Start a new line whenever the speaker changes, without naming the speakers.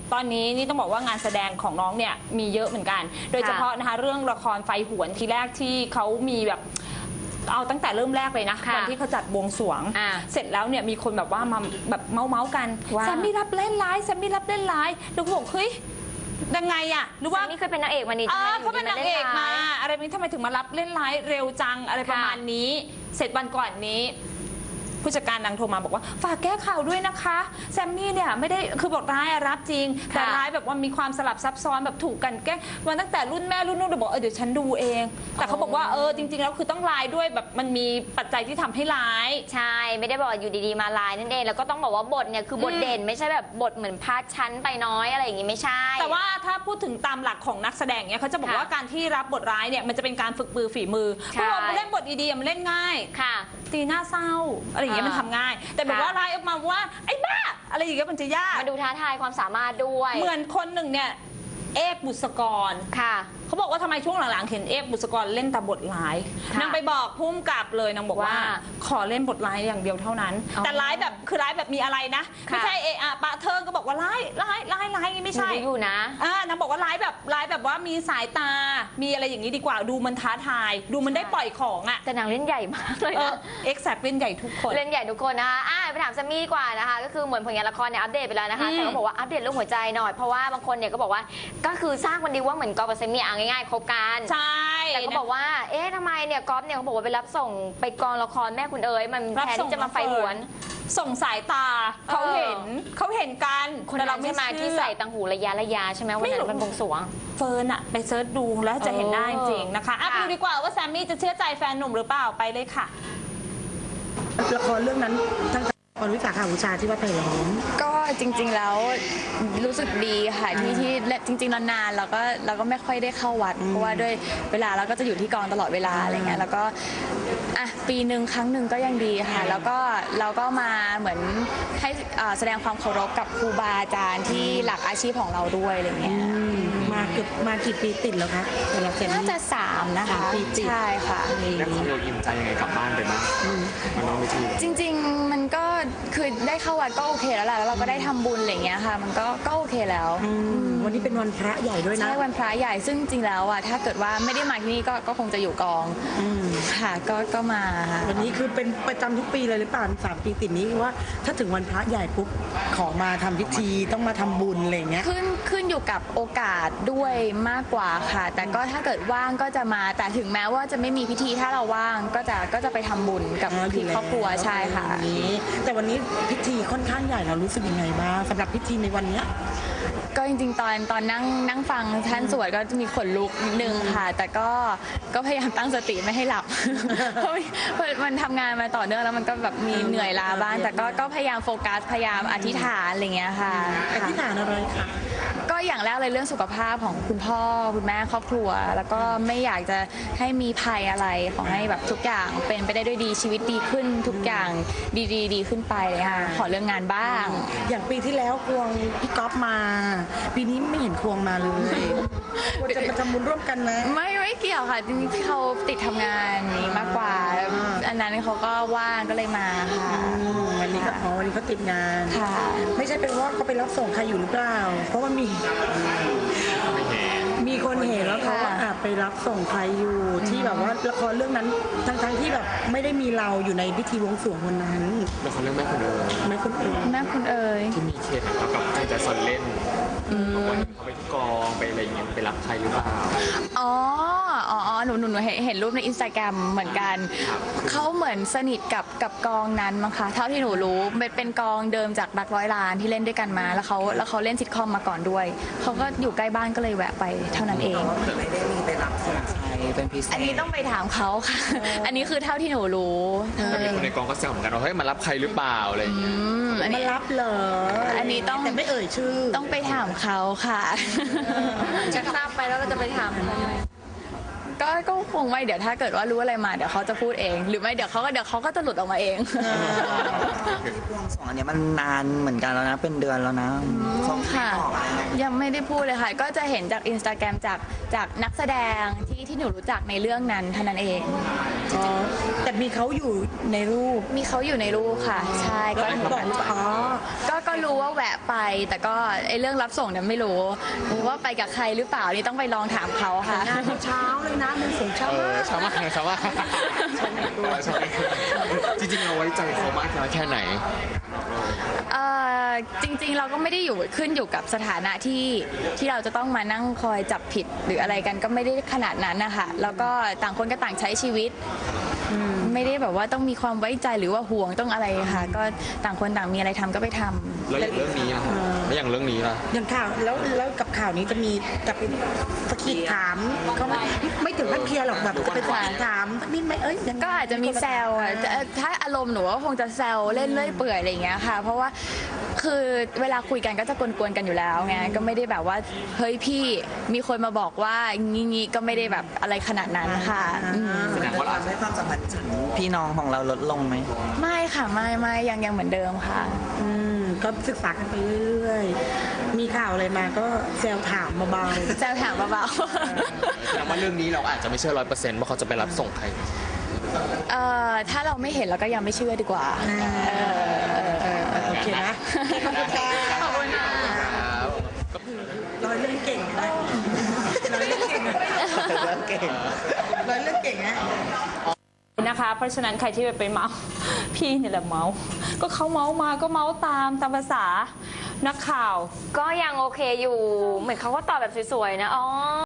ตอนนี้นี่ต้องบอกว่างานแสดงของน้องเนี่ยมีเยอะเหมือนกัน โดยเฉพาะนะคะเรื่องละครไฟหวนทีแรกที่เขามีแบบเอาตั้งแต่เริ่มแรกเลยนะวันที่เขาจัดบวงสรวงเสร็จแล้วเนี่ยมีคนแบบว่ามาแบบเมาส์กันแซมมี่รับเล่นร้ายแซมมี่รับเล่นร้ายแล้วก็บอกเฮ้ยยังไงอะหรือว่า
นี่เคยเป็นนางเอกมานี่
เขาเป็นนางเอกมาอะไรนี้ทำไมถึงมารับเล่นร้ายเร็วจังอะไรประมาณนี้เสร็จวันก่อนนี้ผู้จัดการนางโทรมาบอกว่าฝากแก้ข่าวด้วยนะคะแซมมี่เนี่ยไม่ได้คือบทร้ายรับจริงแต่ร้ายแบบว่ามีความสลับซับซ้อนแบบถูกกันแกล้งมาตั้งแต่รุ่นแม่รุ่นนู้นบอกเดี๋ยวฉันดูเองแต่เขาบอกว่าจริงๆแล้วคือต้องร้ายด้วยแบบมันมีปัจจัยที่ทำให้ร้าย
ใช่ไม่ได้บอกอยู่ดีๆมาร้ายนั่นเองแล้วก็ต้องบอกว่าบทเนี่ยคือบทเด่นไม่ใช่แบบบทเหมือนพาดชั้นไปน้อยอะไรอย่างงี้ไม่ใช่
แต่ว่าถ้าพูดถึงตามหลักของนักแสดงเนี่ยเขาจะบอกว่าการที่รับบทร้ายเนี่ยมันจะเป็นการฝึกมือฝีมือเพราะว่ามันเล่นบทดีๆมันเล่นง่ายตีหน้าเศร้าอะไรอย่างเงี้ยมันทำง่ายแต่แบบว่าร้ายออกมาว่าไอ้บ้าอะไรอย่างเงี้ยมันจะยาก
มาดูท้าทายความสามารถด้วย
เหมือนคนหนึ่งเนี่ยเอกบุษกรเขาบอกว่าทำไมช่วงหลังๆเห็นเอกบุษกรเล่นแต่บทร้ายนางไปบอกพุ่มกับเลยนางบอกว่าขอเล่นบทร้ายอย่างเดียวเท่านั้นแต่ร้ายแบบคือร้ายแบบมีอะไรนะไม่ใช่ปะเทิงก็บอกว่าร้ายไม่ใช่
อยู่นะ
นางบอกว่าร้ายแบบว่ามีสายตามีอะไรอย่างนี้ดีกว่าดูมันท้าทายดูมันได้ปล่อยของอ่ะ
แต่นางเล่นใหญ่มากเลยนะ
เอ็กแซกเล่นใหญ่ทุกคน
เล่นใหญ่ทุกคนนะคะไปถามแซมมี่ดีกว่านะคะก็คือเหมือนผลงานละครเนี่ยอัปเดตไปแล้วนะคะแต่ก็บอกว่าอัปเดตเรื่องหัวใจหน่อยเพราะว่าบางคนเนี่ยก็บอกว่าก็คือสร้างวันดีว่าเหมือนกอล์ฟกับแซมมี่ง่ายๆคบกัน
ใช่
แต่ก็บอกว่าทำไมเนี่ยกอล์ฟเนี่ยเขาบอกว่าไปรับส่งไปกองละครแม่คุณเอ๋ยมันแทนที่จะมาไฟหวน
ส่งสายตาเขาเห็นกัน
คนเราไม่มาที่ใส่ตังหูระยะใช่ไหมวันนั้นมันบวงสรวง
เฟิร์นอะไปเซิร์ชดูแล้วจะเห็นได้จริงนะคะไปดูดีกว่าว่าแซมมี่จะเชื่อใจแฟนหนุ่มหรือเปล่าไปเลยค่ะ
ละครเรื่องนั้นทั้งละครวิสาขาบูชาที่วัดไผ่ล้อม
ก็จริงๆแล้วรู้สึกดีค่ะที่จริงๆนานๆเราก็ไม่ค่อยได้เข้าวัดเพราะว่าด้วยเวลาเราก็จะอยู่ที่กองตลอดเวลาอะไรเงี้ยแล้วก็ปีหนึ่งครั้งหนึ่งก็ยังดีค่ะแล้วก็เราก็มาเหมือนให้แสดงความเคารพกับครูบาอาจารย์ที่หลักอาชีพของเราด้วยอะไรเงี้ย
มากี่ปีติดแล้วคะ
น่าจะ3นะคะ
ปีติด
ใช่ค่ะ
แล้วคุณโยอิ่มใจยังไงกลับบ้านไปบ้างมันน้องไม่ที
จริงๆมันก็คือได้เข้าวัดก็โอเคแล้วแหละแล้วเราก็ได้ทำบุญอะไรเงี้ยค่ะมันก็โอเคแล้ว
วันนี้เป็นวันพระใหญ่ด้วยนะ
ใช่วันพระใหญ่ซึ่งจริงแล้วถ้าเกิดว่าไม่ได้มาที่นี่ก็คงจะอยู่กองค่ะก็มา
วันนี้คือเป็นประจำทุกปีเลยหรือเปล่า3 ปีติดนี้ว่าถ้าถึงวันพระใหญ่ปุ๊บขอมาทำพิธีต้องมาทำบุญอะไรเงี้ย
ขึ้นอยู่กับโอกาสด้วยมากกว่าค่ะแต่ก็ถ้าเกิดว่างก็จะมาแต่ถึงแม้ว่าจะไม่มีพิธีถ้าเราว่างก็จะไปทำบุญกับพี่ครอบครัวใช่ค่ะ
แต่วันนี้พิธีค่อนข้างใหญ่เรารู้สึกยังไงบ้างสำหรับพิธีในวันนี้
ก็จริงๆตอนนั่งฟังท่านสวดก็จะมีขนลุกนิดนึงค่ะแต่ก็พยายามตั้งสติไม่ให้หลับเพราะมันทำงานมาต่อเนื่องแล้วมันก็แบบมีเหนื่อยล้าบ้างแต่ก็พยายามโฟกัสพยายามอธิษฐานอะไรเงี้ยค่ะ
อธิษฐานอะไรคะ
ก็อย่างแรกเลยเรื่องสุขภาพของคุณพ่อคุณแม่ครอบครัวแล้วก็ไม่อยากจะให้มีภัยอะไรขอให้แบบทุกอย่างเป็นไปได้ด้วยดีชีวิตดีขึ้นทุกอย่างดีขึ้นไปเลยค่ะขอเรื่องงานบ้าง
อย่างปีที่แล้วควงพี่ก๊อฟมาปีนี้ไม่เห็นควงมาเลยว่าจะมาทำบุญร่วมกันนะ
ไม่เกี่ยวค่ะจริงๆเขาติดทำงานนี้มากกว่าอันนั้นเขาก็ว่างก็เลยมาค่ะ
วันนี้เขาติดงานไม่ใช่เป็นว่าเขาไปรับส่งใครอยู่หรือเปล่าเพราะว่ามีคนเห็นว่าเขาไปรับส่งใครอยู่ที่แบบว่าละครเรื่องนั้นทั้งที่แบบไม่ได้มีเราอยู่ในพิธีบวงสรวงวันนั้น
ละครเรื่องแม่คุณเอ๋ยที่มีเคสแล้วกับใจจะสนเล่นบอกว่าเขาไปที่กองไปอะไรอย่างเงี้ยไปรับใครหรือเปล่า
อ๋อหนูเห็นรูปใน Instagram เหมือนกันเขาเหมือนสนิทกับกองนั้นมั้งคะเท่าที่หนูรู้เป็นกองเดิมจากรักร้อยล้านที่เล่นด้วยกันมาแล้วเขาเล่นซิทคอมมาก่อนด้วยเขาก็อยู่ใกล้บ้านก็เลยแวะไปเท่านั้นเอง
ไม่ได้มีไปรับส่งใครเป็นพิเศษ
อันนี้ต้องไปถามเขาค่ะอันนี้คือเท่าที่หนูรู้
แต่มีคนในกองก็แซวเหมือนกันว่าเฮ้ยมารับใครหรือเปล่าอะไรอย่างเงี้ย
มารับเหรอ
อันนี้ต้อง
แต่ไม่เอ่ยชื่อ
ต้องไปถามเขาค่ะ
จะทราบไปแล้วเราจะไปถาม
ก็คงไม่เดี๋ยวถ้าเกิดว่ารู้อะไรมาเดี๋ยวเขาจะพูดเองหรือไม่เดี๋ยวเขาก็จะหลุดออกมาเอง
ที่บวงสรวงอันนี้มันนานเหมือนกันแล้วนะเป็นเดือนแล้วนะ
ค่ะยังไม่ได้พูดเลยค่ะ ก็จะเห็นจากอินสตาแกรมจากนักแสดงที่หนูรู้จักในเรื่องนั้นเท่านั้นเอง
อ๋อแต่มีเขาอยู่ในรูป
มีเขาอยู่ในรูปค่ะ ใช่
ก็
ก็
บอกว่าอ๋อ
ก็รู้ว่าแวะไป แต่ก็ไอเรื่องรับส่งเนี่ยไม่รู้ว่าไปกับใครหรือเปล่านี่ต้องไปลองถามเขาค่ะ
งานเช้าเลยนะเดินสงเช้า
ชาวมากชาวมากจริงๆเราไว้ใจเขามากน้อยแค่ไหน
จริงๆเราก็ไม่ได้ขึ้นอยู่กับสถานะที่เราจะต้องมานั่งคอยจับผิดหรืออะไรกันก็ไม่ได้ขนาดนั้นนะคะแล้วก็ต่างคนก็ต่างใช้ชีวิตไม่ได้แบบว่าต้องมีความไว้ใจหรือว่าห่วงต้องอะไรค่ะ ก็ต่างคนต่างมีอะไรทำก็ไปทำ
แล้วอย่างเรื่องนี้ล่ะแล้วอย่างเรื่องนี้ล่ะ
อย่างข่าวแล้วกับข่าวนี้จะมีจะเป็นสะกิดถามเขาไม่ถึงขั้นเคลียร์หรอกแบบจะเป็นสะกิดถามสักนิดไหมยังไง
ก็อาจจะมีแซวอะถ้าอารมณ์หนูก็คงจะแซวเล่นเลื่อยเปื่อยอะไรอย่างเงี้ยค่ะ เพราะว่าคือเวลาคุยกันก็จะกวนๆกันอยู่แล้วไงก็ไม่ได้แบบว่าเฮ้ยพี่มีคนมาบอกว่างี้ก็ไม่ได้แบบอะไรขนาดนั้นค่ะม
แสดงว่าเรา
ให้ความสัมพันธ์ถึงพี่น้องของเราลดลงไหม
ไม่ค่ะไม่ยังเหมือนเดิมค่ะ
ก็ศึกษากันไปเรื่อยๆมีข่าวอะไรมาก็แซวถามเบา
แซวถามเบา
แสดงว่าเรื่องนี้เราอาจจะไม่เชื่อ100%ว่าเขาจะไปรับส่งใคร
ๆถ้าเราไม่เห็นเราก็ยังไม่เชื่อดีกว่า
โอเคนะขอบคุณค่ะ
ขอบคุณค่ะ
ร้อยเรื่องเก่งนะร้อยเรื่องเก่งนะร้อยเรื่องเก่งนะ
นะคะ เพราะฉะนั้นใครที่ไปเมา พี่เนี่ยแหละเมาก็เขาเมามาก็เมาตามภาษานักข่าว
ก็ยังโอเคอยู่ เหมือนเขาก็ตอบแบบสวยๆนะอ๋อ